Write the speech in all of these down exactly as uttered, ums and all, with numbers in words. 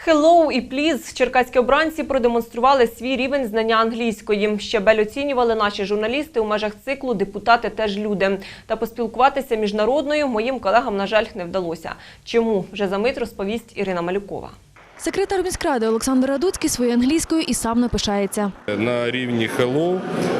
Hello і please. Черкаські обранці продемонстрували свій рівень знання англійської. Щабель оцінювали наші журналісти у межах циклу «Депутати теж люди». Та поспілкуватися міжнародною моїм колегам, на жаль, не вдалося. Чому? Вже за мить розповість Ірина Малюкова. Секретар міськради Олександр Радуцький своєю англійською і сам не пишається. На рівні hello,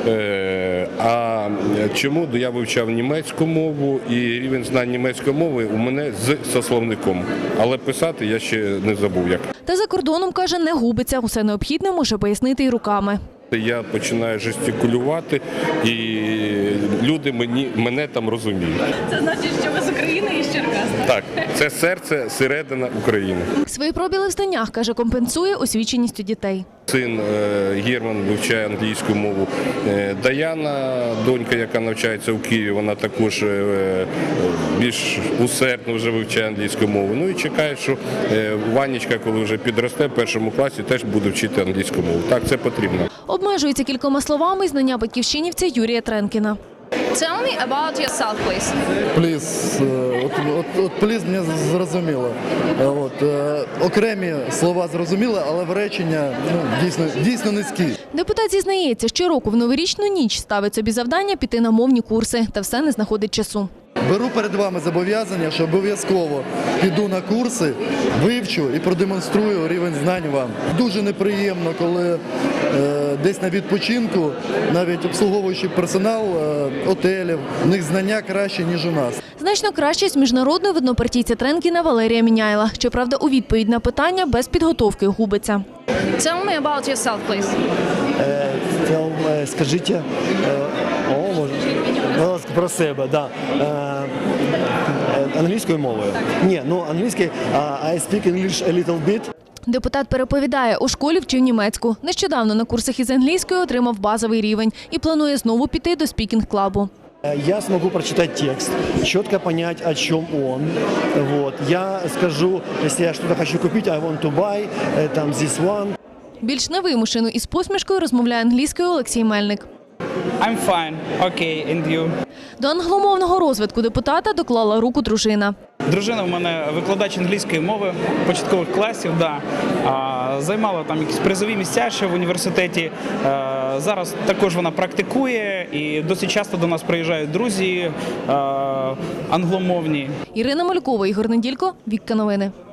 а чому? Я вивчав німецьку мову і рівень знань німецької мови у мене з сословником. Але писати я ще не забув як. Та за кордоном, каже, не губиться. Усе необхідне може пояснити і руками. Я починаю жестикулювати, і люди мені, мене там розуміють. Це значить, що ви з України і з Черкас? Так, це серце, середина України. Свої пробіли в знаннях, каже, компенсує освіченістю дітей. Син Герман вивчає англійську мову. Даяна, донька, яка навчається у Києві, вона також більш усердно вже вивчає англійську мову. Ну і чекає, що Ванечка, коли вже підросте в першому класі, теж буде вчити англійську мову. Так, це потрібно. Обмежується кількома словами знання батьківщинівця Юрія Тренкіна. Tell me about yourself, please. Пліз, от, от, от пліз мені зрозуміло. От, е, окремі слова зрозуміли, але в речення ну, дійсно, дійсно низькі. Депутат зізнається, щороку в новорічну ніч ставить собі завдання піти на мовні курси, та все не знаходить часу. Беру перед вами зобов'язання, що обов'язково піду на курси, вивчу і продемонструю рівень знань вам. Дуже неприємно, коли е, десь на відпочинку, навіть обслуговуючий персонал е, отелів, в них знання краще, ніж у нас. Значно краще з міжнародної виднопартійця Тренкіна Валерія Міняйла. Щоправда, у відповідь на питання без підготовки губиться. Tell me about yourself, please. Е, е, скажіть, е, о, може, будь ласка, про себе, да. Е, е, англійською мовою? Ні, ну англійською, uh, I speak English a little bit. Депутат переповідає, у школі вчив німецьку. Нещодавно на курсах із англійської отримав базовий рівень і планує знову піти до спікінг-клабу. Я смогу прочитать текст, четко понять, о чем он. Вот. Я скажу, если я что-то хочу купить, I want to buy, там, this one. Більш невимушено і з посмішкою розмовляє англійською Олексій Мельник. I'm fine. Okay, and you? До англомовного розвитку депутата доклала руку дружина. Дружина в мене викладач англійської мови початкових класів, да. А, займала там якісь призові місця ще в університеті. А, зараз також вона практикує і досить часто до нас приїжджають друзі а, англомовні. Ірина Малюкова, Ігор Неділько, Вікка Новини.